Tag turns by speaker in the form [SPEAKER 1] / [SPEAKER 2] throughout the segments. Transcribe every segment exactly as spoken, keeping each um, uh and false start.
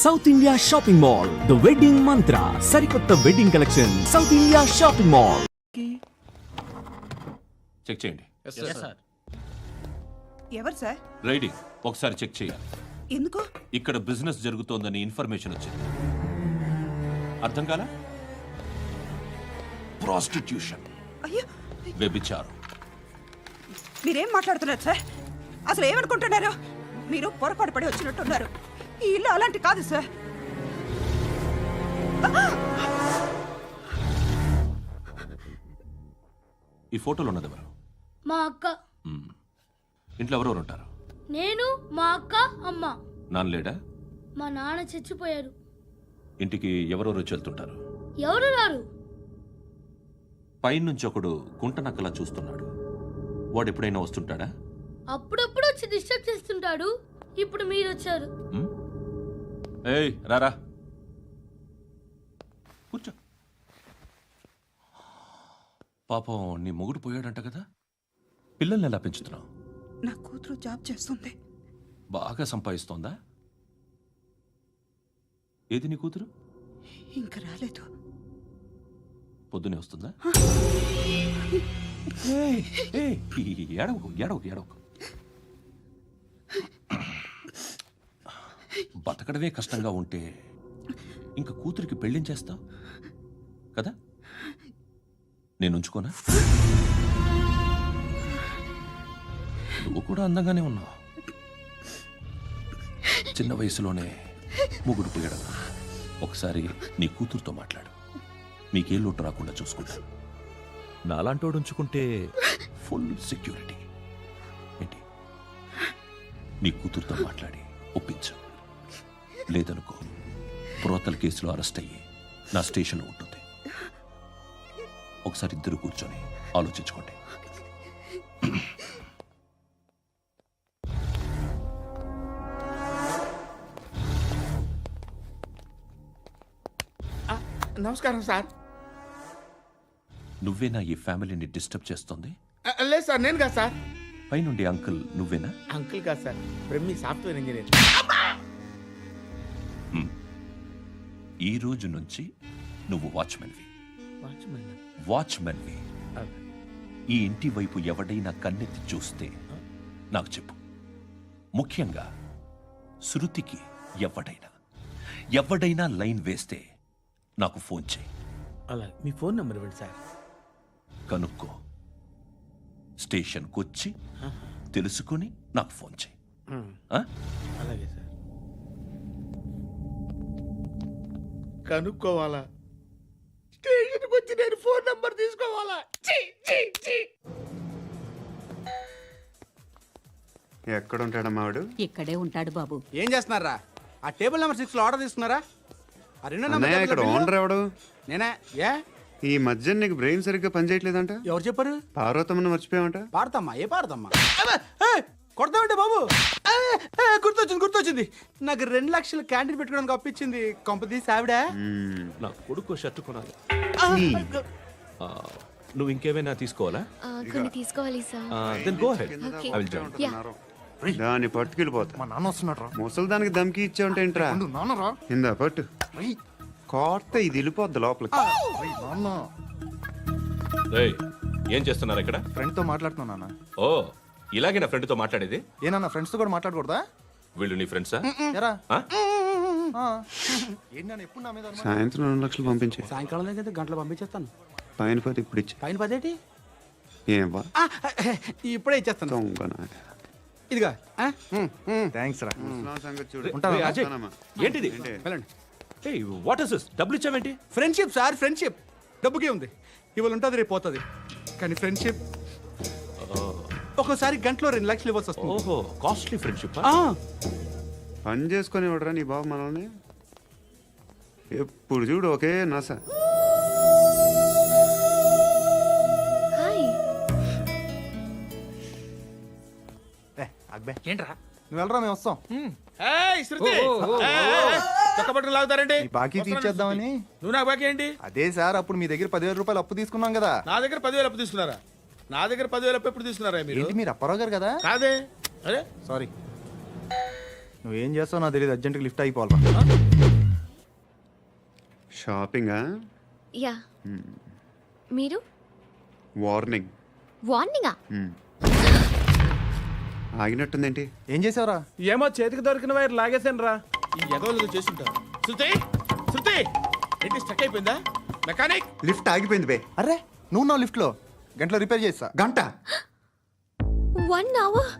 [SPEAKER 1] South India shopping mall the wedding Mantra సరికొత్త wedding collection South India shopping mall.
[SPEAKER 2] Check చేయండి.
[SPEAKER 3] ఎవరు sir?
[SPEAKER 2] Riding ఒకసారి check చేయాలి.
[SPEAKER 3] ఎందుకు?
[SPEAKER 2] ఇక్కడ బిజినెస్ జరుగుతోందని ఇన్ఫర్మేషన్ వచ్చింది. అర్థం కాలా? ప్రాస్టిట్యూషన్,
[SPEAKER 3] అయ్యో,
[SPEAKER 2] వ్యభిచారం.
[SPEAKER 3] మీరేం మాట్లాడుతున్నారు సార్? అసలు ఏమనుకుంటున్నారు? మీరు పొరపాటు పడి వచ్చినట్టున్నారు. ఈ ఇల్లు అలాంటి కాదు సార్.
[SPEAKER 2] ఈ ఫోటోలో ఉన్నది ఎవరు?
[SPEAKER 4] మా అక్క.
[SPEAKER 2] మ్మ్. ఇంట్లో ఎవరెవరు ఉంటారు?
[SPEAKER 4] నేను, మా అక్క, అమ్మ.
[SPEAKER 2] నాన్న లేడా?
[SPEAKER 4] మా నాన్న చచ్చిపోయారు.
[SPEAKER 2] ఇంటికి ఎవరెవరు వచ్చి వెళ్తుంటారు?
[SPEAKER 4] ఎవరు రారు.
[SPEAKER 2] పైనుంచి ఒకడు గుంట నక్కలా చూస్తున్నాడు. వాడు ఎప్పుడైనా వస్తుంటాడా?
[SPEAKER 4] అప్పుడప్పుడు వచ్చి డిస్టర్బ్ చేస్తుంటాడు. ఇప్పుడు మీరు వచ్చారు.
[SPEAKER 2] మ్మ్? ఏయ్ రారా, కూర్చో. పాపం నీ మొగుడు పోయాడంట కదా, పిల్లల్ని ఎలా పెంచుతున్నావు?
[SPEAKER 3] నా కూతురు జాబ్ చేస్తుంది.
[SPEAKER 2] బాగా సంపాదిస్తోందా? ఏది నీ కూతురు?
[SPEAKER 3] ఇంకా రాలేదు.
[SPEAKER 2] పొద్దునే వస్తుందా? ఏయ్, ఏయ్, ఏడవకు ఏడవకు ఏడవకు. బతకడమే కష్టంగా ఉంటే ఇంకా కూతురికి పెళ్ళించేస్తావు కదా? నేను ఉంచుకోనా? నువ్వు కూడా అందంగానే ఉన్నావు. చిన్న వయసులోనే ముగుడు పోయడం. ఒకసారి నీ కూతురుతో మాట్లాడు. నీకే లోటు రాకుండా చూసుకుంటాను. నాలాంటోడు ఉంచుకుంటే ఫుల్ సెక్యూరిటీ. ఏంటి? నీ కూతురుతో మాట్లాడి ఒప్పించు. లేదనుకో, ప్రోతల కేసులో అరెస్ట్ అయ్యి నా స్టేషన్లో ఉంటుంది. ఒకసారి ఇద్దరు కూర్చొని ఆలోచించుకోండి.
[SPEAKER 5] నమస్కారం సార్.
[SPEAKER 2] నువ్వేనా ఈ ఫ్యామిలీని డిస్టర్బ్ చేస్తుంది?
[SPEAKER 5] లేదు సార్, నేను కాదు సార్.
[SPEAKER 2] పైనుండి అంకుల్ నువ్వేనా?
[SPEAKER 5] అంకుల్ కాదు సార్, బ్రహ్మి సాఫ్ట్వేర్ ఇంజనీర్.
[SPEAKER 2] ఈ రోజు నుంచి నువ్వు వాచ్మెన్వి.
[SPEAKER 5] వాచ్మెన్?
[SPEAKER 2] వాచ్మెన్వి. ఈ ఇంటి వైపు ఎవడైనా కన్నెత్తి చూస్తే నాకు చెప్పు. ముఖ్యంగా శృతికి ఎవడైనా ఎవడైనా లైన్ వేస్తే నాకు ఫోన్ చేయి.
[SPEAKER 5] అలా మీ ఫోన్ నెంబర్ ఇవ్వండి సార్.
[SPEAKER 2] కనుక్కో, స్టేషన్కి వచ్చి తెలుసుకుని నాకు ఫోన్ చేయి. ఆ?
[SPEAKER 5] అలాగే సార్. కనుక్కోవాలా? స్టేషన్కి వచ్చి నేను ఫోన్ నెంబర్ తీసుకోవాలా? ఛీ, ఛీ, ఛీ.
[SPEAKER 6] ఎక్కడ ఉంటాడమ్మా వాడు?
[SPEAKER 7] ఇక్కడే ఉంటాడు బాబు.
[SPEAKER 5] ఏం చేస్తున్నారా? ఆ టేబుల్ నెంబర్ సిక్స్ లో ఆర్డర్ తీసుకున్నారా? ఆ రెండో
[SPEAKER 6] అన్నయ్య, ఇక్కడ
[SPEAKER 5] నెంబర్
[SPEAKER 6] ఓనర్ ఎవడు?
[SPEAKER 5] నేనే. ఏ
[SPEAKER 6] ఈ మధ్య నీకు బ్రెయిన్ సరిగ్గా పనిచేయట్లేదంట.
[SPEAKER 5] ఎవరు చెప్పారు?
[SPEAKER 6] పార్వతమ్మను మర్చిపోయామంట.
[SPEAKER 5] పాడతామ్మా? ఏ పాడతామ్మా? కొడతామంటే బాబు. ఏ, ఏ, గుర్తొచ్చింది గుర్తొచ్చింది. నాకు రెండు లక్షలు క్యాంటీన్ పెట్టుకోవడానికి అప్పించింది కొంపదీసి ఆవిడ.
[SPEAKER 2] నా కొడుకు షర్ట్ కొనాలి. ఆ, నువ్వు ఇంకేమైనా తీసుకోవాలా?
[SPEAKER 8] కొన్ని తీసుకోవాలి sir.
[SPEAKER 2] Then go ahead.
[SPEAKER 8] Okay.
[SPEAKER 2] I will join.
[SPEAKER 6] దాన్ని పట్టుకెళ్ళిపోతా.
[SPEAKER 9] మా నాన్న వస్తున్నాడు రా.
[SPEAKER 6] ముసలి దానికి దమ్కి ఇచ్చావంటే ఏంట్రా?
[SPEAKER 9] నాన్న రా.
[SPEAKER 6] ఇందా పట్టు. కోర్త ఇది వెళ్ళిపోద్ది లోపలికి.
[SPEAKER 9] నాన్న
[SPEAKER 2] ఏయ్, ఏం చేస్తున్నారు ఇక్కడ?
[SPEAKER 9] ఫ్రెండ్ తో మాట్లాడుతున్నా నాన్న.
[SPEAKER 2] ఓ, ఇలాగే నా ఫ్రెండ్తో మాట్లాడేది?
[SPEAKER 9] ఏ నాన్న, ఫ్రెండ్స్ తో కూడా మాట్లాడకూడదా?
[SPEAKER 2] వీళ్ళు నీ ఫ్రెండ్సా?
[SPEAKER 9] ఎరా
[SPEAKER 2] ఆ?
[SPEAKER 9] ఏంటి నాన్న ఎప్పుడు నా మీద అనుమానం?
[SPEAKER 6] సాయంత్రం రెండు లక్షలు పంపించే.
[SPEAKER 5] సాయంకాలం దగ్గర గంటలు పంపించేస్తాను.
[SPEAKER 6] పైన పది ఇప్పుడు ఇచ్చే.
[SPEAKER 5] పైన పదేటి?
[SPEAKER 6] ఏం వా
[SPEAKER 5] ఇప్పుడే ఇచ్చేస్తాను.
[SPEAKER 6] దొంగనా.
[SPEAKER 5] ఇదిగా
[SPEAKER 9] థ్యాంక్స్ రా.
[SPEAKER 6] ముసలాం సంగతి చూడు.
[SPEAKER 9] ఉంటావా?
[SPEAKER 2] ఏయ్, అజయ్,
[SPEAKER 6] వస్తానమ్మా.
[SPEAKER 2] ఏంటిది?
[SPEAKER 5] వెళ్ళండి.
[SPEAKER 2] ఏయ్, వాట్ ఇస్ దిస్? డబ్బులు ఇచ్చావేంటి?
[SPEAKER 5] Friendship sir, friendship. డబ్బుకే ఉంది. ఇవాళ ఉంటుంది, రేపు పోతుంది. కానీ ఫ్రెండ్షిప్ ఒక్కోసారి గంటలో రెండు లక్షలు ఇవ్వాల్సి వస్తుంది.
[SPEAKER 2] ఓహో, కాస్ట్లీ ఫ్రెండ్షిప్.
[SPEAKER 5] ఆ,
[SPEAKER 6] పని చేసుకొని ఇవ్వడరా నీ బాబు మనల్ని? ఎప్పుడు చూడు ఒకే నాస.
[SPEAKER 8] హాయ్.
[SPEAKER 9] ఏ అక్బే,
[SPEAKER 5] ఏంట్రా?
[SPEAKER 9] నువ్వు వెళ్ళరా, మేము వస్తాం.
[SPEAKER 5] ఏయ్, శృతి. ఏయ్, ఏయ్, చక్కబట్టలు లాగుతారండి.
[SPEAKER 9] ఈ బాకీ తీర్చేద్దామని.
[SPEAKER 5] నువ్వు నాకు బాకీ ఏంటి?
[SPEAKER 9] అదే సార్, అప్పుడు మీ దగ్గర పదివేల రూపాయలు అప్పు తీసుకున్నాం కదా.
[SPEAKER 5] నా దగ్గర పదివేలు అప్పు తీసుకున్నారా? నా దగ్గర పదివేలు అప్పు ఎప్పుడు తీసుకున్నారా మీరు?
[SPEAKER 9] ఏంటి మీరు అప్పారావు గారు కదా?
[SPEAKER 5] కాదే. అరే
[SPEAKER 9] సారీ. నువ్వేం చేస్తావు నాకు తెలియదు, అర్జెంట్గా లిఫ్ట్ అయిపోవాలి.
[SPEAKER 6] షాపింగా?
[SPEAKER 8] యా మీరు
[SPEAKER 6] వార్నింగ్.
[SPEAKER 8] వార్నింగా?
[SPEAKER 6] ఆగినట్టుందేంటి?
[SPEAKER 9] ఏం చేసావురా?
[SPEAKER 5] ఏమో చేతికి దొరికిన వైర్ లాగేసాను రా.
[SPEAKER 7] ఈ ఎగవలు చేస్తుంటారు. శృతి శృతి ఏంటి స్టక్ అయిపోయిందా? మెకానిక్
[SPEAKER 6] లిఫ్ట్ ఆగిపోయింది బే.
[SPEAKER 9] అరే నువ్వు నా లిఫ్ట్లో గంటలో రిపేర్ చేస్తా.
[SPEAKER 6] గంట?
[SPEAKER 8] One hour?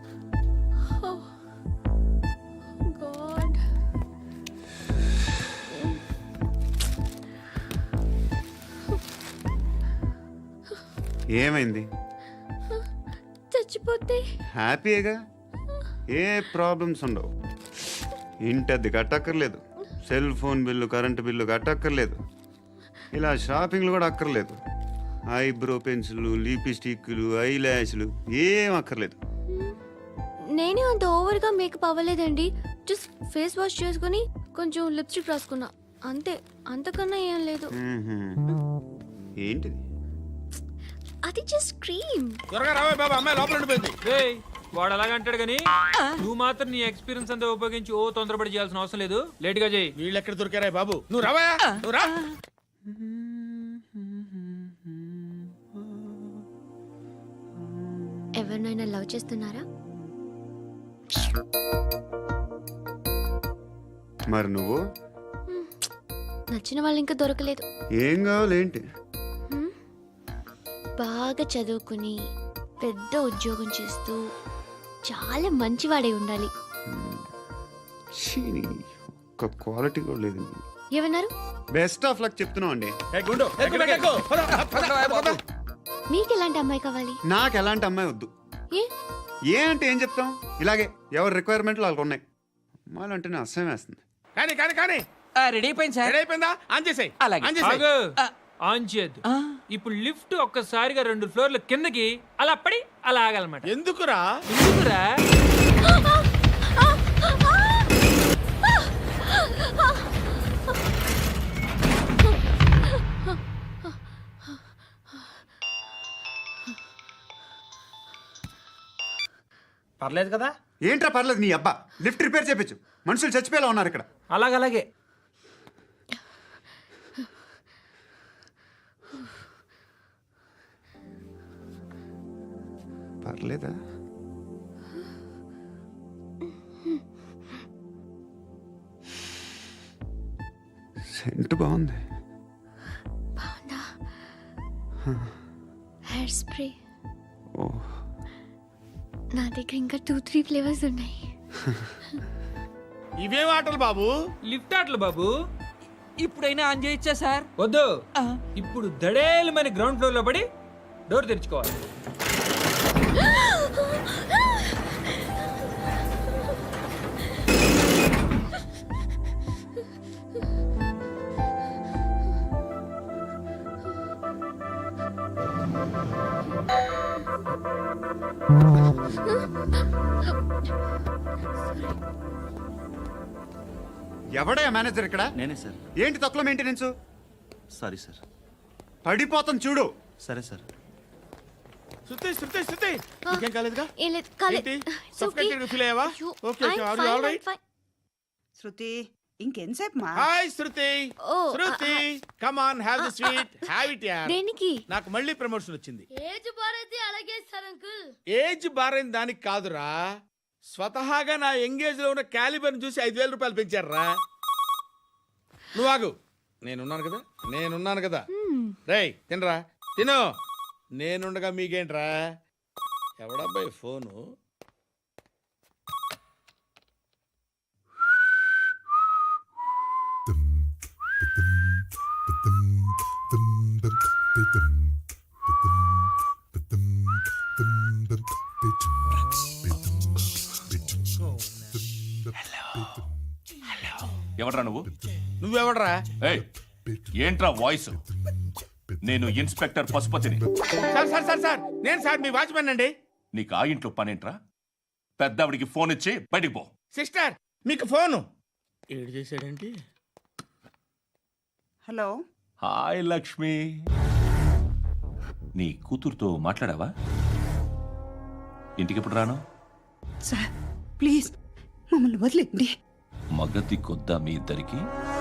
[SPEAKER 8] గాడ్.
[SPEAKER 6] ఏమైంది?
[SPEAKER 8] చచ్చిపోతే
[SPEAKER 6] హ్యాపీగా, ఏ ప్రాబ్లమ్స్ ఉండవు. ఇంటి అద్దె కట్టక్కర్లేదు, cell phone bill current bill కట్టక్కర్లేదు, ఇలా షాపింగ్లు కూడా అక్కర్లేదు. ఐబ్రో పెన్సిల్, లిప్స్టిక్లు, ఐ ల్యాష్లు ఏం అక్కర్లేదు.
[SPEAKER 8] నేనే అంత ఓవర్గా మేకప్ అవ్వలేదండి. జస్ట్ ఫేస్ వాష్ చేసుకుని కొంచెం లిప్స్టిక్ రాసుకున్నా అంతే, అంతకన్నా ఏం లేదు.
[SPEAKER 6] మ్మ్హ్మ్. ఏంటిది?
[SPEAKER 8] అది జస్ట్ క్రీమ్.
[SPEAKER 7] త్వరగా రావే బాబా, అమ్మాయి లోపల ఉండిపోయింది.
[SPEAKER 10] రేయ్, వాడు అలాగంటాడు కానీ నువ్వు మాత్రం నీ ఎక్స్పీరియన్స్ అంతా ఉపయోగించి ఓ తొందరపడి చేయాల్సిన అవసరం లేదు. లేట్ గా చేయి.
[SPEAKER 7] వీళ్ళు ఎక్కడ దొరికారా బాబు? నువ్వు రావా, నువ్వు రా.
[SPEAKER 8] ఎవరినైనా లవ్ చేస్తున్నారా?
[SPEAKER 6] మరి నువ్వు?
[SPEAKER 8] నచ్చిన వాళ్ళు ఇంకా దొరకలేదు.
[SPEAKER 6] ఏం కావాలి ఏంటి?
[SPEAKER 8] బాగా చదువుకుని పెద్ద ఉద్యోగం చేస్తూ చాలా మంచివాడే ఉండాలి.
[SPEAKER 6] ఛీ, ఒక్క క్వాలిటీ కూడా లేదు.
[SPEAKER 8] ఏమన్నారు?
[SPEAKER 6] బెస్ట్ ఆఫ్ లక్ చెప్తున్నావు అండి.
[SPEAKER 7] ఏ గుండు, ఎక్కు, ఎక్కు, ఎక్కు. పద, పద, పద, పద.
[SPEAKER 8] మీకు ఎలాంటి అమ్మాయి కావాలి?
[SPEAKER 6] నాకు ఎలాంటి అమ్మాయి వద్దు.
[SPEAKER 8] ఏ
[SPEAKER 6] ఏ అంటే ఏం చెప్తాం, ఇలాగే ఎవరి రిక్వైర్మెంట్లు వాళ్ళకు ఉన్నాయి. అమ్మాయిలు అంటేనే అసహ్యం వేస్తుంది.
[SPEAKER 7] కానీ కానీ కానీ
[SPEAKER 10] రెడీ అయిపోయింది
[SPEAKER 7] రెడీ అయిపోయిందా? ఆన్ చేసేయ్.
[SPEAKER 10] అలాగే.
[SPEAKER 7] ఆన్ చేసేయ్.
[SPEAKER 10] ఆగు. ఆన్ చేయద్దు. ఇప్పుడు లిఫ్ట్ ఒక్కసారిగా రెండు ఫ్లోర్ల కిందకి అలా పడి అలా ఆగాలన్నమాట.
[SPEAKER 7] ఎందుకురా?
[SPEAKER 10] ఎందుకురా?
[SPEAKER 5] పర్లేదు కదా?
[SPEAKER 6] ఏంట్రా పర్లేదు నీ అబ్బా, లిఫ్ట్ రిపేర్ చేయించు. మనుషులు చచ్చిపోయేలా ఉన్నారు ఇక్కడ.
[SPEAKER 10] అలాగలాగే.
[SPEAKER 6] పర్లేదా? సెంట్ బాగుంది.
[SPEAKER 8] బాగుందా? హెయిర్ స్ప్రే
[SPEAKER 6] ఓ,
[SPEAKER 8] నా దగ్గర ఇంకా టూ త్రీ ఫ్లేవర్స్ ఉన్నాయి.
[SPEAKER 7] ఇవేం ఆటలు బాబు?
[SPEAKER 10] లిఫ్ట్ ఆటలు బాబు. ఇప్పుడైనా ఆన్ చేయొచ్చా సార్? వద్దు. ఇప్పుడు దడేలమైన గ్రౌండ్ ఫ్లోర్ లో పడి డోర్ తెరుచుకోవాలి.
[SPEAKER 6] ఎవడయ్యా మేనేజర్ ఇక్కడ?
[SPEAKER 11] నేనే సార్.
[SPEAKER 6] ఏంటి తక్కువ మెయింటెనెన్స్?
[SPEAKER 11] Sorry sir.
[SPEAKER 6] పడిపోతాం చూడు.
[SPEAKER 11] సరే సార్.
[SPEAKER 7] శృతి శృతి శృతి ఇంకేం కాలేదుగా?
[SPEAKER 8] ఏం లేదు, కాలేదు.
[SPEAKER 7] ఏంటి?
[SPEAKER 8] It's okay.
[SPEAKER 7] Suffocated feel అయ్యావా?
[SPEAKER 8] అయ్యో,
[SPEAKER 7] Okay, okay.
[SPEAKER 8] I'm
[SPEAKER 7] Are you
[SPEAKER 8] fine,
[SPEAKER 7] all
[SPEAKER 8] I'm
[SPEAKER 7] right?
[SPEAKER 8] fine.
[SPEAKER 3] Shruti ఇంకెంతసేపు మా
[SPEAKER 7] హాయ్ శృతి.
[SPEAKER 8] ఓ,
[SPEAKER 7] Shruti come on, have the sweet, have it యార్.
[SPEAKER 8] దేనికి?
[SPEAKER 7] నాకు మళ్ళీ ప్రమోషన్ వచ్చింది.
[SPEAKER 4] ఏజ్ బారైతే అలాగే సార్ అంకుల్.
[SPEAKER 7] ఏజ్ బారైన దానికి కాదురా, స్వతహాగా నా ఎంగేజ్ లో ఉన్న క్యాలిబర్ చూసి ఐదు వేల రూపాయలు పెంచారా. నువ్వు ఆగు, నేనున్నాను కదా, నేనున్నాను కదా. రేయ్ తినరా, తిను. నేనుండగా మీకేంట్రా? ఎవడబ్బాయి ఫోను?
[SPEAKER 2] ఎవడ్రా నువ్వు?
[SPEAKER 7] నువ్వెవడరా?
[SPEAKER 2] ఏయ్, ఏంట్రా వాయిస్? నేను ఇన్స్పెక్టర్ పశుపతిని.
[SPEAKER 7] సార్ సార్ సార్ సార్ నేను సార్ మీ వాచ్మెన్ అండి.
[SPEAKER 2] నీకు ఆ ఇంట్లో పనేంట్రా? పెద్దవిడికి ఫోన్ ఇచ్చి బయటికి పో.
[SPEAKER 7] సిస్టర్ మీకు ఫోను. ఏడు చేశాడేంటి?
[SPEAKER 3] హలో
[SPEAKER 2] హాయ్ లక్ష్మి, నీ కూతురుతో మాట్లాడావా? ఇంటికి ఎప్పుడు రాను?
[SPEAKER 3] సార్ ప్లీజ్ మమ్మల్ని వదిలేండి.
[SPEAKER 2] మగతి కొద్దా మీ ఇద్దరికి?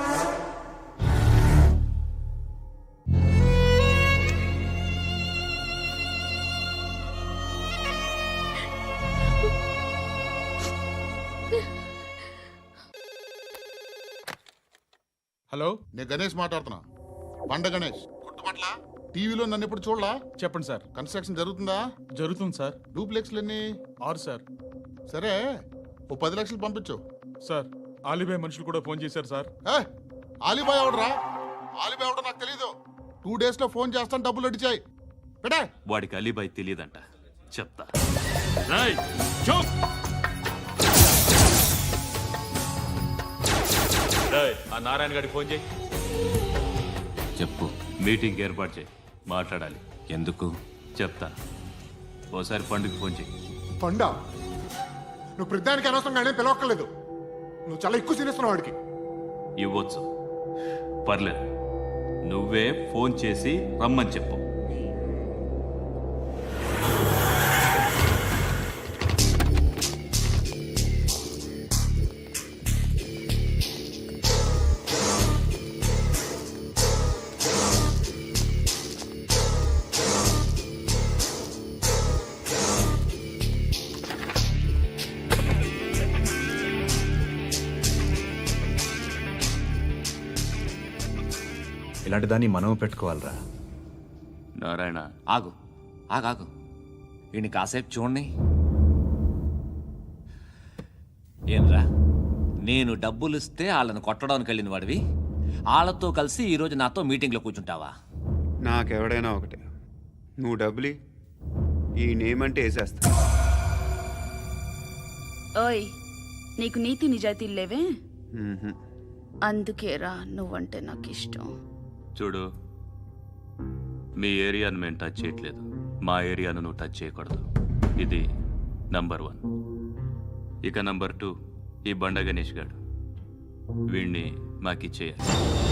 [SPEAKER 7] హలో,
[SPEAKER 12] నేను గణేష్ మాట్లాడుతున్నా. బండ గణేష్ గుర్తుపట్ల? టీవీలో నన్ను ఎప్పుడు చూడలా?
[SPEAKER 7] చెప్పండి సార్.
[SPEAKER 12] కన్స్ట్రక్షన్ జరుగుతుందా?
[SPEAKER 7] జరుగుతుంది సార్.
[SPEAKER 12] డూప్లెక్స్లు ఎన్ని?
[SPEAKER 7] ఆరు సార్.
[SPEAKER 12] సరే, ఓ పది లక్షలు పంపించు.
[SPEAKER 7] సార్, ఆలిబాయ్ మనుషులు కూడా ఫోన్ చేశారు సార్.
[SPEAKER 12] ఏ ఆలిబాయ్ ఎవడరా? ఆలిబాయ్ ఎవడో నాకు తెలీదు. టూ డేస్ లో ఫోన్ చేస్తాను, డబ్బులు అడిచాయి. పెడే.
[SPEAKER 2] వాడికి అలీబాయ్ తెలియదంట, చెప్తా. రేయ్, చూప్. రేయ్, ఆ నారాయణ గారికి ఫోన్ చేయి. చెప్పు. మీటింగ్ ఏర్పాటు చేయి, మాట్లాడాలి. ఎందుకు చెప్తా. ఓసారి పండుగ ఫోన్ చేయి.
[SPEAKER 12] పండా, నువ్వు ప్రతిదానికి అనవసరంగానే పిలవక్కర్లేదు. నువ్వు చాలా ఎక్కువ సీనిస్తున్నావు వాడికి.
[SPEAKER 2] ఇవ్వచ్చు, పర్లేదు. నువ్వే ఫోన్ చేసి రమ్మని చెప్పు.
[SPEAKER 11] ఇలాంటి దాన్ని మనం పెట్టుకోవాలరా.
[SPEAKER 2] నారాయణ,
[SPEAKER 13] ఆగు ఆగాగు వీడిని కాసేపు చూడండి. ఏంరా, నేను డబ్బులు ఇస్తే వాళ్ళని కొట్టడానికి వెళ్ళిన వాడివి, వాళ్ళతో కలిసి ఈరోజు నాతో మీటింగ్లో కూర్చుంటావా?
[SPEAKER 6] నాకెవడైనా ఒకటే. నువ్వు డబ్బులి, ఈ నేమ్ అంటే వేసేస్తా.
[SPEAKER 3] ఓయ్, నీకు నీతి నిజాయితీలు లేవే,
[SPEAKER 6] మ్మ్హ్మ్.
[SPEAKER 3] అందుకేరా నువ్వంటే నాకు ఇష్టం.
[SPEAKER 2] చూడు, మీ ఏరియాను మేము టచ్ చేయట్లేదు, మా ఏరియాను నువ్వు టచ్ చేయకూడదు. ఇది నంబర్ వన్. ఇక నంబర్ టూ, ఈ బండ గణేష్ గాడు, వీణ్ణి మాకిచ్చేయాలి.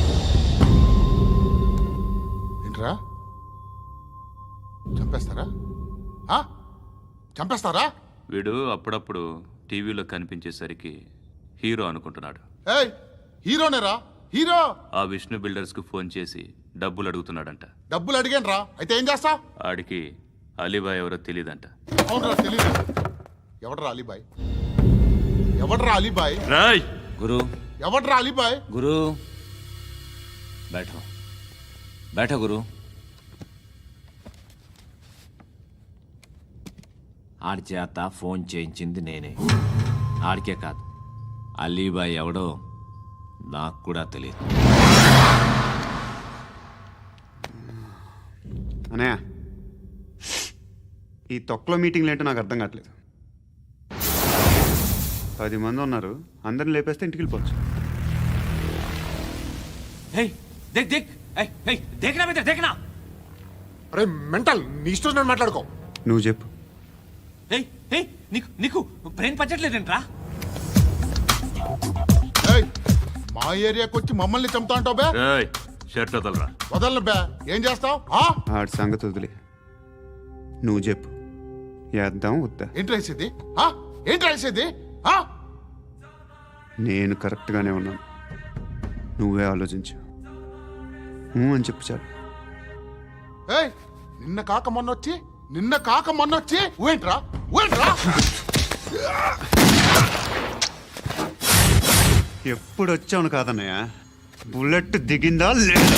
[SPEAKER 12] ఏంట్రా, చంపేస్తారా? ఆ? చంపేస్తారా?
[SPEAKER 2] వీడు అప్పుడప్పుడు టీవీలో కనిపించేసరికి హీరో అనుకుంటున్నాడు.
[SPEAKER 12] ఏయ్, హీరోనేరా, హీరో.
[SPEAKER 2] ఆ విష్ణు బిల్డర్స్ కు ఫోన్ చేసి డబ్బులు అడుగుతున్నాడంట.
[SPEAKER 12] డబ్బులు అడిగాను రా, అయితే ఏం చేస్తా?
[SPEAKER 2] ఆడికి అలీబాయ్ ఎవరో తెలియదంట.
[SPEAKER 12] అవునరా, తెలీదు. ఎవడరా అలీబాయ్? ఎవడరా అలీబాయ్?
[SPEAKER 2] రాయ్
[SPEAKER 13] గురు,
[SPEAKER 12] ఎవడరా అలీబాయ్?
[SPEAKER 13] గురు బైఠో బైఠో గురు. ఆడి చేత ఫోన్ చేయించింది నేనే. ఆడికే కాదు, అలీబాయ్ ఎవడో నాకు కూడా తెలియదు.
[SPEAKER 6] అనయ్య, ఈ తొక్కలో మీటింగ్లు ఏంటో నాకు అర్థం కావట్లేదు. పది మంది ఉన్నారు, అందరిని లేపేస్తే ఇంటికి వెళ్ళిపోవచ్చు.
[SPEAKER 13] దేక్ దేక్ దేఖనా బేటా, దేఖనా.
[SPEAKER 12] అరే మెంటల్, నీ ఇష్టం నేను మాట్లాడుకో.
[SPEAKER 6] నువ్వు చెప్పు.
[SPEAKER 13] నీకు నీకు బ్రెయిన్ పచ్చట్లేదంట్రా?
[SPEAKER 12] ఏయ్, మా ఏరియాకి వచ్చి మమ్మల్ని చంపుతా అంటావు బే?
[SPEAKER 2] రాయ్, షర్ట్ వదలరా.
[SPEAKER 12] వదలను బే. ఏం చేస్తావు?
[SPEAKER 6] ఆడి సంగతి వదిలే, నువ్వు చెప్పు. వేద్దాం వద్దా?
[SPEAKER 12] ఏంటి రాసేది? ఆ? ఏంటి రాసేది? ఆ?
[SPEAKER 6] నేను కరెక్ట్గానే ఉన్నాను, నువ్వే ఆలోచించు. ఊ అని చెప్పు చాలు.
[SPEAKER 12] ఏయ్, నిన్న కాక మొన్నొచ్చి నిన్న కాక మొన్నొచ్చి ఊయంట్రా, ఊయంట్రా.
[SPEAKER 6] ఎప్పుడు వచ్చావును కాదన్నయ్య, బుల్లెట్ దిగిందా లేదా?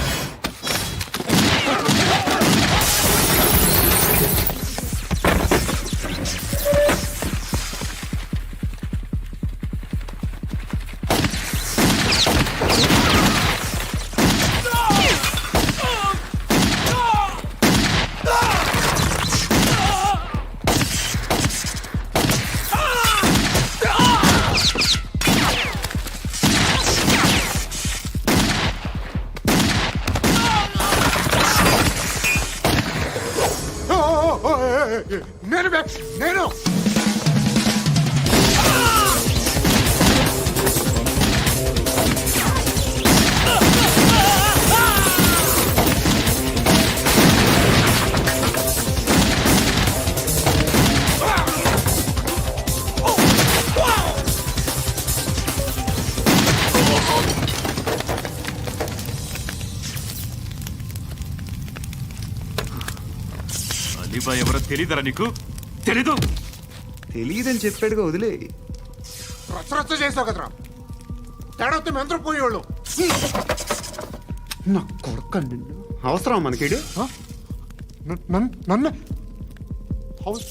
[SPEAKER 12] నేను బే, నేను.
[SPEAKER 2] అలీబాయ్ ఎవరో తెలీదరా నీకు? తెలీదు.
[SPEAKER 6] తెలియదని చెప్పాడుగా, వదిలే.
[SPEAKER 12] రచ్చ రచ్చ చేస్తావు కదరా, తేడా వస్తే మెంతరం పోయేవాళ్ళు.
[SPEAKER 6] నా కొడుక, నిన్ను అవసరం మనకిడు.
[SPEAKER 12] నన్ను హౌస్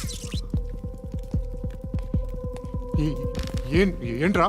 [SPEAKER 12] ఏంట్రా?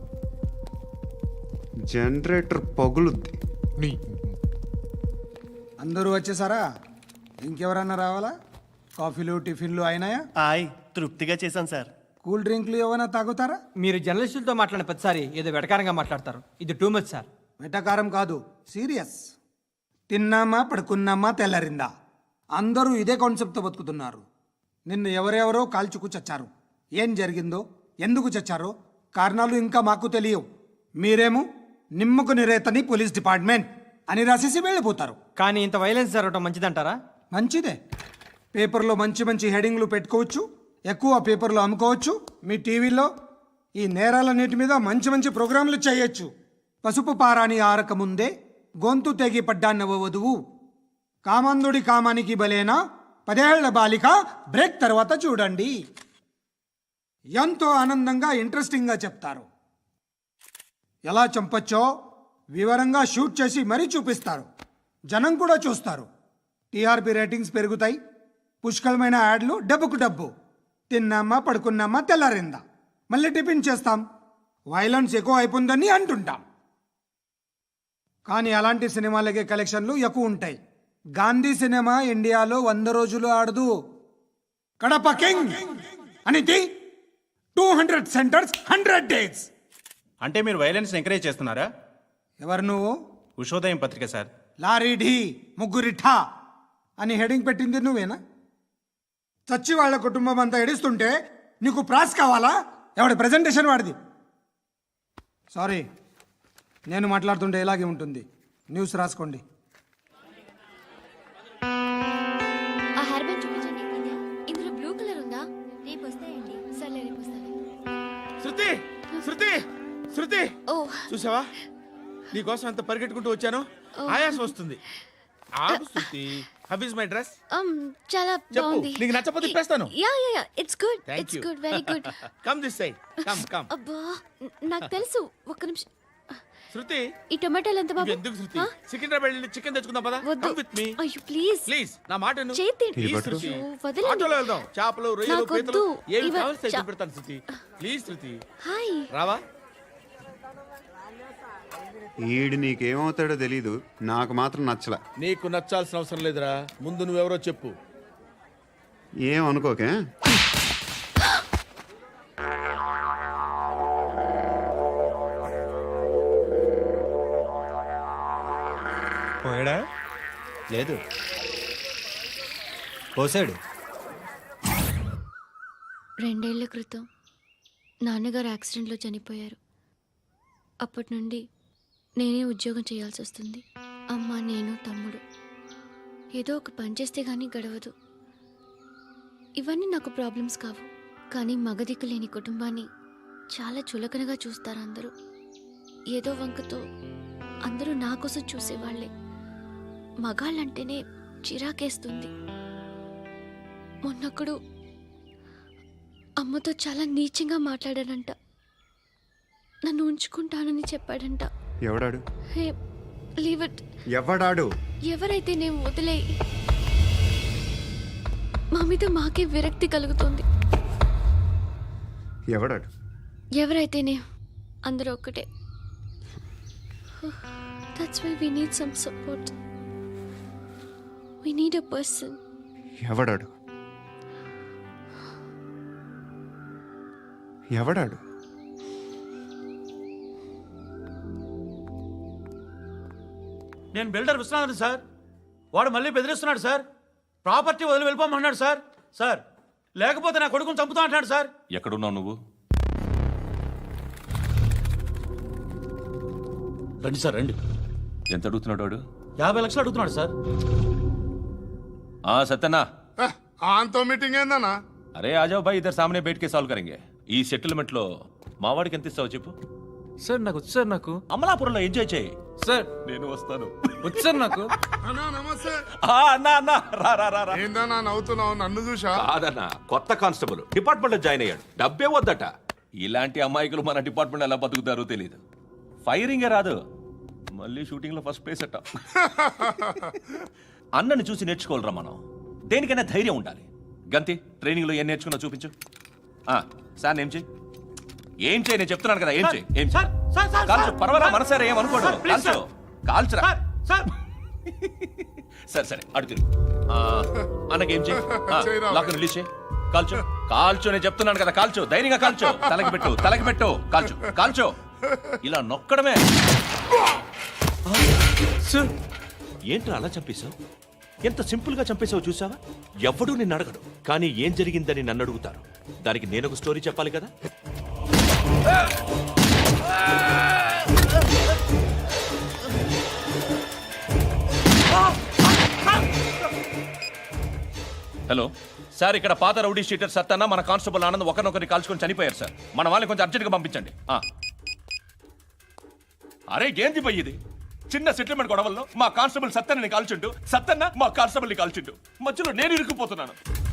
[SPEAKER 6] జనరేటర్ పగులుద్ది.
[SPEAKER 12] నీ
[SPEAKER 5] అందరూ వచ్చేసారా? ఇంకెవరన్నా రావాలా? కాఫీలు టిఫిన్లు అయినాయా?
[SPEAKER 9] ఆయ్ తృప్తిగా చేశాను సార్.
[SPEAKER 5] కూల్ డ్రింక్లు ఏమైనా తాగుతారా?
[SPEAKER 10] మీరు జర్నలిస్టులతో మాట్లాడిన ప్రతిసారి ఏదో వెటకారంగా మాట్లాడతారు. ఇది టూ మచ్ సార్.
[SPEAKER 5] వెటకారం కాదు, సీరియస్. తిన్నామా పడుకున్నామా తెల్లరిందా, అందరూ ఇదే కాన్సెప్ట్తో బతుకుతున్నారు. నిన్ను ఎవరెవరో కాల్చుకు చచ్చారు. ఏం జరిగిందో, ఎందుకు చచ్చారో కారణాలు ఇంకా మాకు తెలియవు. మీరేమో నిమ్మకు నిరేతని పోలీస్ డిపార్ట్మెంట్ అని రాసేసి వెళ్ళిపోతారు.
[SPEAKER 10] కానీ ఇంత వైలెన్స్ జరగడం మంచిదంటారా?
[SPEAKER 5] మంచిదే. పేపర్లో మంచి మంచి హెడింగ్లు పెట్టుకోవచ్చు, ఎక్కువ పేపర్లు అమ్ముకోవచ్చు. మీ టీవీలో ఈ నేరాలన్నిటి మీద మంచి మంచి ప్రోగ్రాంలు చేయొచ్చు. పసుపు పారాని ఆరక ముందే గొంతు తెగి పడ్డాన్నవ వధువు, కామందుడి కామానికి బలేనా పదేళ్ల బాలిక బ్రేక్ తర్వాత చూడండి. ఎంతో ఆనందంగా ఇంట్రెస్టింగ్గా చెప్తారు. ఎలా చంపచ్చో వివరంగా షూట్ చేసి మరీ చూపిస్తారు. జనం కూడా చూస్తారు. టీఆర్పీ రేటింగ్స్ పెరుగుతాయి. పుష్కలమైన యాడ్లు, డబ్బుకు డబ్బు. తిన్నామా పడుకున్నామా తెల్లారిందా, మళ్ళీ టిఫిన్ చేస్తాం. వైలెన్స్ ఎక్కువ అయిపోయిందని అంటుంటాం. కానీ అలాంటి సినిమాలకే కలెక్షన్లు ఎక్కువ ఉంటాయి. గాంధీ సినిమా ఇండియాలో వంద రోజులు ఆడదు. కడప కింగ్ అనేది two hundred centres hundred days.
[SPEAKER 9] అంటే మీరు వైలెన్స్ ఎంకరేజ్ చేస్తున్నారా?
[SPEAKER 5] ఎవరు నువ్వు?
[SPEAKER 9] ఉషోదయం పత్రిక సార్.
[SPEAKER 5] లారీ ఢీ ముగ్గురిఠా అని హెడింగ్ పెట్టింది నువ్వేనా? చచ్చి వాళ్ళ కుటుంబం అంతా ఎడుస్తుంటే నీకు ప్రాస్ కావాలా? ఎవడి ప్రజెంటేషన్ వాడిది. సారీ, నేను మాట్లాడుతుంటే ఇలాగే ఉంటుంది. న్యూస్ రాసుకోండి.
[SPEAKER 8] ఆ హెయిర్ బ్యాండ్ చూపించండి. ఇందులో బ్లూ కలర్ ఉందా? రేపు వస్తాయండి. సర్లే రేపు వస్తాను.
[SPEAKER 7] శృతి శృతి శృతి,
[SPEAKER 8] ఓ
[SPEAKER 7] చూసావా నీకోసం ఎంత పరిగెట్టుకుంటూ వచ్చాను. ఆయాసం వస్తుంది. ఆగు Shruti. How is my dress?
[SPEAKER 8] um చాలా
[SPEAKER 7] చెప్పు.
[SPEAKER 8] బాగుంది.
[SPEAKER 7] నీకు నచ్చకపోతే తిప్పేస్తాను.
[SPEAKER 8] Yeah yeah yeah it's good.
[SPEAKER 7] Thank
[SPEAKER 8] it's
[SPEAKER 7] you.
[SPEAKER 8] Good, very good.
[SPEAKER 7] Come this side. Come come.
[SPEAKER 8] అబ్బా న- నాకు తెలుసు. ఒక్క నిమిషం.
[SPEAKER 7] శృతి,
[SPEAKER 8] ఈ టొమాటోలు ఎంత బాబు?
[SPEAKER 7] ఎందుకు శృతి?
[SPEAKER 8] ఆ?
[SPEAKER 7] సికింద్రాబాద్ వెళ్ళి చికెన్ తెచ్చుకుందాం పదా.
[SPEAKER 8] వద్దు.
[SPEAKER 7] కమ్ విత్ మీ
[SPEAKER 8] అయ్యో ప్లీజ్
[SPEAKER 7] ప్లీజ్. నా మాట విను.
[SPEAKER 8] చేతి
[SPEAKER 7] Please,
[SPEAKER 6] పట్టు.
[SPEAKER 7] శృతి.
[SPEAKER 8] అయ్యో, వదలండి.
[SPEAKER 7] ఆటోలో వెళ్దాం. చేపలు, రొయ్యలు,
[SPEAKER 8] నాకు
[SPEAKER 7] పీతలు
[SPEAKER 8] వద్దు.
[SPEAKER 7] ఏమి
[SPEAKER 8] ఇవ-
[SPEAKER 7] కావాలి
[SPEAKER 8] చా-
[SPEAKER 7] పెడతాను శృతి. Please Shruti,
[SPEAKER 8] hi.
[SPEAKER 7] రావా?
[SPEAKER 6] ఈడు నీకేమవుతాడో తెలీదు, నాకు మాత్రం నచ్చలా.
[SPEAKER 7] నీకు నచ్చాల్సిన అవసరం లేదురా. ముందు నువ్వెవరో చెప్పు.
[SPEAKER 6] ఏం అనుకోకే.
[SPEAKER 9] పోయాడా? లేదు, పోసాడు.
[SPEAKER 8] రెండేళ్ల క్రితం నాన్నగారు యాక్సిడెంట్లో చనిపోయారు. అప్పటి నుండి నేనే ఉద్యోగం చేయాల్సి వస్తుంది. అమ్మ, నేను, తమ్ముడు ఏదో ఒక పని చేస్తే కానీ గడవదు. ఇవన్నీ నాకు ప్రాబ్లమ్స్ కావు. కానీ మగదిక్కు లేని కుటుంబాన్ని చాలా చులకనగా చూస్తారు అందరూ. ఏదో వంకతో అందరూ నా కోసం చూసేవాళ్లే. మగాళ్ళంటేనే చిరాకేస్తుంది. మొన్నప్పుడు అమ్మతో చాలా నీచంగా మాట్లాడాడంట. నన్ను ఉంచుకుంటానని చెప్పాడంట.
[SPEAKER 6] ఎవడాడు?
[SPEAKER 8] Hey leave it.
[SPEAKER 6] ఎవడాడు?
[SPEAKER 8] ఎవరైతే నేను వదిలే. మా మీద మాకే విరక్తి కలుగుతుంది.
[SPEAKER 6] ఎవడాడు?
[SPEAKER 8] ఎవరైతేనే అందరూ ఒక్కటే. That's why we need some support. We need a person.
[SPEAKER 6] ఎవడాడు? ఎవడాడు?
[SPEAKER 5] నేను బిల్డర్ విశ్వనాథన్ సార్. వాడు మళ్ళీ బెదిరిస్తున్నాడు సార్. ప్రాపర్టీ వదిలి వెళ్ళిపోమన్నాడు సార్. సార్ లేకపోతే నా కొడుకుని చంపుతా అంటున్నాడు సార్.
[SPEAKER 2] ఎక్కడున్నావు నువ్వు?
[SPEAKER 5] రండి సార్ రండి.
[SPEAKER 2] ఎంత అడుగుతున్నాడు వాడు?
[SPEAKER 5] యాభై లక్షలు అడుగుతున్నాడు సార్.
[SPEAKER 2] ఆ సత్యనా,
[SPEAKER 12] ఆంతో మీటింగ్ ఏందన్నా?
[SPEAKER 2] అరే ఆజావ్ భాయ్, ఇద్దరు సామనే బయటకే సాల్వ్ కరెంగే. ఈ సెటిల్మెంట్ లో మావాడికి ఎంత ఇస్తావు చెప్పు.
[SPEAKER 10] సార్ నాకు వచ్చు సార్ నాకు
[SPEAKER 9] అమలాపురంలో ఎంజాయ్ చేయి.
[SPEAKER 10] సార్
[SPEAKER 9] నేను వస్తాను.
[SPEAKER 10] వచ్చు సార్ నాకు.
[SPEAKER 12] అన్నా నమస్తే.
[SPEAKER 9] ఆ, అన్నా అన్నా రా రా రా రా.
[SPEAKER 12] ఏందన్నా నవ్వుతున్నావు? నన్ను చూసా?
[SPEAKER 11] కాదన్నా, కొత్త కానిస్టేబుల్ డిపార్ట్మెంట్ లో జాయిన్ అయ్యాడు. డబ్బే వద్దట.
[SPEAKER 9] ఇలాంటి అమాయకులు మన డిపార్ట్మెంట్ ఎలా బతుకుతారో తెలియదు. ఫైరింగే రాదు, మళ్ళీ షూటింగ్ లో ఫస్ట్ ప్లేస్ అట్ట. అన్నని చూసి నేర్చుకోవాలరా మనం. దేనికైనా ధైర్యం ఉండాలి. గంతి, ట్రైనింగ్ లో ఏం నేర్చుకున్నా చూపించు. ఆ, సార్ ఏం చేయి ఏం చేయి నేను చెప్తున్నాను కదా. ఏం చేయి ఏం చేయి కాల్చు. పర్వాలా, మనసారా ఏం అనుకోడు. కాల్చు కాల్చురా. సరే సరే అడు తిరుగు. అన్నకేం చేయి, లాక్ రిలీజ్ చేయి. కాల్చు కాల్చు నేను చెప్తున్నాను కదా. కాల్చు, ధైర్యంగా కాల్చు. తలకి పెట్టు తలకి పెట్టు. కాల్చు కాల్చు. ఇలా నొక్కడమే.
[SPEAKER 11] ఏంట్రా అలా చంపేశావు? ఎంత సింపుల్ గా చంపేశావు చూసావా? ఎవడూ నిన్ను అడగడు, కానీ ఏం జరిగిందని నన్ను అడుగుతారు. దానికి నేను ఒక స్టోరీ చెప్పాలి కదా.
[SPEAKER 9] హలో సార్, ఇక్కడ పాత రౌడీ షీటర్ సత్తన్న మన కానిస్టేబుల్ ఆనంద్ ఒకరినొకరిని కాల్చుకొని చనిపోయారు సార్. మన వాళ్ళని కొంచెం అర్జెంట్గా పంపించండి. ఆ. అరే ఏంది పోయి ఇది? చిన్న సెటిల్మెంట్ గొడవల్లో మా కానిస్టేబుల్ సత్తన్నని కాల్చుంటూ, సత్తన్న మా కానిస్టేబుల్ని కాల్చుంటూ, మధ్యలో నేను ఇరుక్కుపోతున్నాను.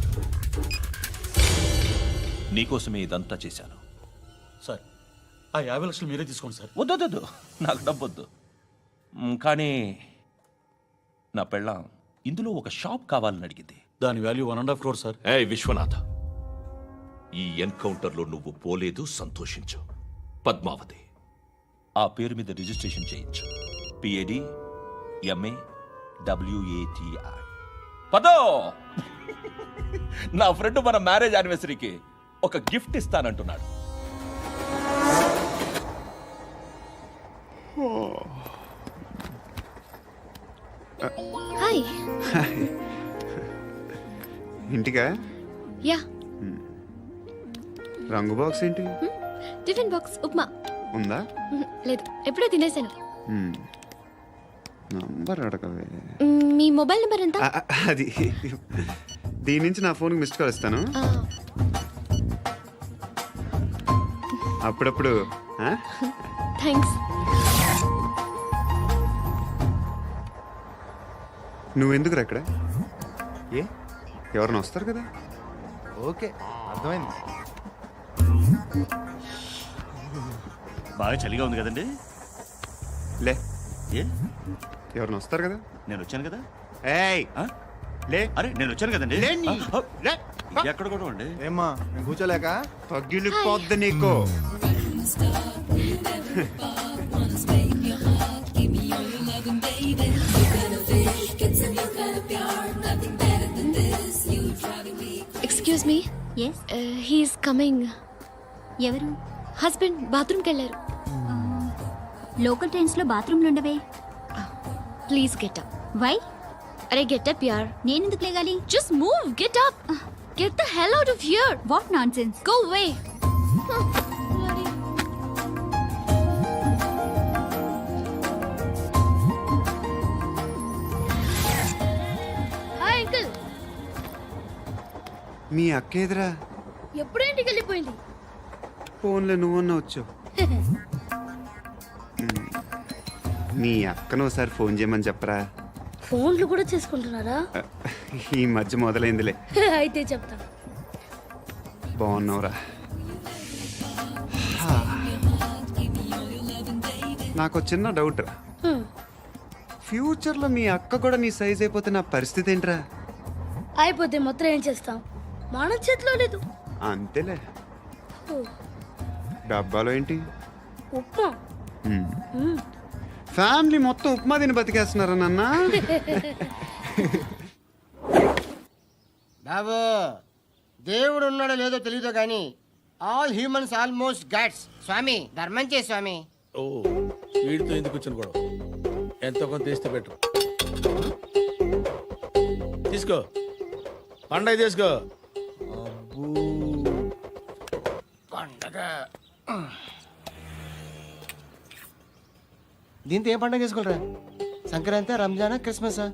[SPEAKER 9] నీకోసమే ఇదంతా చేశాను
[SPEAKER 14] సార్. ఆ యాభై లక్షలు మీరే తీసుకోండి సార్.
[SPEAKER 9] వద్దొద్దు, నాకు డబ్బొద్దు. మ్, కానీ నా పెళ్ళాం ఇందులో ఒక షాప్ కావాలని అడిగింది.
[SPEAKER 14] దాని value one and half crore sir.
[SPEAKER 11] ఏ విశ్వనాథ్, ఈ ఎన్కౌంటర్ లో నువ్వు పోలేదు, సంతోషించు. పద్మావతి
[SPEAKER 9] ఆ పేరు మీద రిజిస్ట్రేషన్ చేయించు. P A D M A W A T I. పదో, నా ఫ్రెండ్ మన మ్యారేజ్ యానివర్సరీకి ఒక గిఫ్ట్ ఇస్తానంటున్నాడు.
[SPEAKER 8] హాయ్.
[SPEAKER 6] ఇంటికా?
[SPEAKER 8] యా.
[SPEAKER 6] రంగు బాక్స్ ఏంటి?
[SPEAKER 8] Tiffin box upma.
[SPEAKER 6] ఉందా?
[SPEAKER 8] మ్మ్, లేదు, ఎప్పుడో తినేసాను.
[SPEAKER 6] నంబర్ అడగవే.
[SPEAKER 8] మ్మ్, మీ మొబైల్ నెంబర్ ఎంత?
[SPEAKER 6] ఆ, అది దీని నుంచి నా ఫోన్కి మిస్డ్ కాల్ ఇస్తాను.
[SPEAKER 8] ఆ,
[SPEAKER 6] అప్పుడప్పుడు. ఆ?
[SPEAKER 8] థ్యాంక్స్.
[SPEAKER 6] నువ్వెందుకురా ఇక్కడ? ఏ ఎవరైనా వస్తారు కదా.
[SPEAKER 14] ఓకే, అర్థమైంది.
[SPEAKER 9] బాగా చలిగా ఉంది కదండి.
[SPEAKER 6] లే,
[SPEAKER 9] ఏ
[SPEAKER 6] ఎవరైనా వస్తారు కదా.
[SPEAKER 9] నేను వచ్చాను కదా.
[SPEAKER 6] ఏయ్ లే.
[SPEAKER 9] అరే నేను వచ్చాను కదండి.
[SPEAKER 6] లే నీ.
[SPEAKER 9] ఆ,
[SPEAKER 6] లే.
[SPEAKER 9] ఎక్కడ కూడా అండి.
[SPEAKER 14] ఏమ్మా కూర్చోలేక?
[SPEAKER 6] పగిలిపోద్ది నీకు.
[SPEAKER 8] Excuse me.
[SPEAKER 15] Yes,
[SPEAKER 8] he's coming.
[SPEAKER 15] ఎవరు?
[SPEAKER 8] హస్బెండ్ బాత్రూమ్కి వెళ్ళారు.
[SPEAKER 15] లోకల్ ట్రైన్స్ లో బాత్రూమ్లు ఉండవే.
[SPEAKER 8] Please get up.
[SPEAKER 15] వై?
[SPEAKER 8] అరే గెట్ అప్ యార్.
[SPEAKER 15] నేనెందుకు లేగాలి?
[SPEAKER 8] Just move, get up. Get the hell out of here.
[SPEAKER 15] What nonsense.
[SPEAKER 8] Go away. Hi uncle.
[SPEAKER 6] మీ అక్క ఎదురా?
[SPEAKER 4] ఎప్పుడు ఇంటికి వెళ్ళిపోయింది.
[SPEAKER 6] ఫోన్లో నువ్వన్నా వచ్చావు. మీ అక్కను ఒకసారి ఫోన్ చేయమని చెప్పరా.
[SPEAKER 4] ఫోన్లు కూడా చేసుకుంటున్నారా?
[SPEAKER 6] ఈ మధ్య మొదలైందిలే.
[SPEAKER 4] అయితే చెప్తా.
[SPEAKER 6] బాగున్నావురా. నాకు చిన్న డౌట్ రా. ఫ్యూచర్లో మీ అక్క కూడా నీ సైజ్ అయిపోతే నా పరిస్థితి ఏంట్రా?
[SPEAKER 4] అయిపోతే మొత్తం ఏం చేస్తాం, మన చేతిలో లేదు.
[SPEAKER 6] అంతేలే. డబ్బాలో ఏంటి?
[SPEAKER 4] ఉప్మా.
[SPEAKER 6] మ్మ్. ఫ్యామిలీ మొత్తం ఉప్మా తిని బతికేస్తున్నారా నాన్న?
[SPEAKER 16] బాబు, దేవుడు ఉన్నాడో లేదో తెలియదు కానీ ఆల్ హ్యూమన్స్ ఆల్మోస్ట్ గాడ్స్. స్వామి ధర్మం చే స్వామి.
[SPEAKER 7] ఓ వీడితో ఎందుకు కూర్చొని కూడా ఎంతో కొంత తీస్తే బెటర్. తీసుకో, పండగ తీసుకో.
[SPEAKER 16] పండగ దీంతో ఏం పండగ చేసుకోలేరా? సంక్రాంతి, రంజానా, క్రిస్మసా?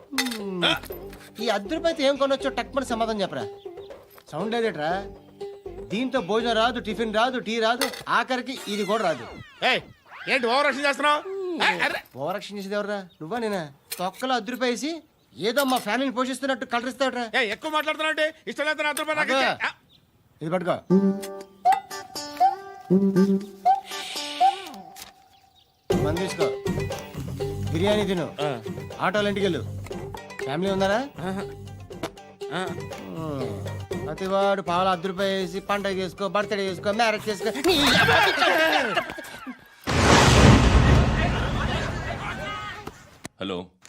[SPEAKER 16] ఈ అర్ధ రూపాయలతో ఏం కొనొచ్చో టక్మని సమాధానం చెప్పరా. సౌండ్ లేదేట్రా? దీంతో భోజనం రాదు, టిఫిన్ రాదు, టీ రాదు, ఆఖరికి ఇది కూడా రాదు.
[SPEAKER 7] ఏయ్, ఏంటి ఓవర్ రక్షణ చేస్తున్నావు?
[SPEAKER 16] ఓవరాక్షన్ చేసేది ఎవరా? నువ్వా నేనా? తొక్కలో అద్దు రూపాయేసి ఏదో మా ఫ్యామిలీని పోషిస్తున్నట్టు కలరిస్తావుట్రా.
[SPEAKER 7] ఏయ్, ఎక్కువ మాట్లాడుతున్నావు అంటే ఇష్టం లేదు నా రూపాయలు నాకు ఇచ్చే. ఆ,
[SPEAKER 16] ఇది పట్టుకో. మంది తీసుకో, బిర్యానీ తిను, ఆటోలు ఇంటికి వెళ్ళు. ఫ్యామిలీ ఉన్నారా? ప్రతివాడు పావులు అర్ధ రూపాయ వేసి పండగ చేసుకో, బర్త్డే చేసుకో, మ్యారేజ్ చేసుకో.
[SPEAKER 9] హలో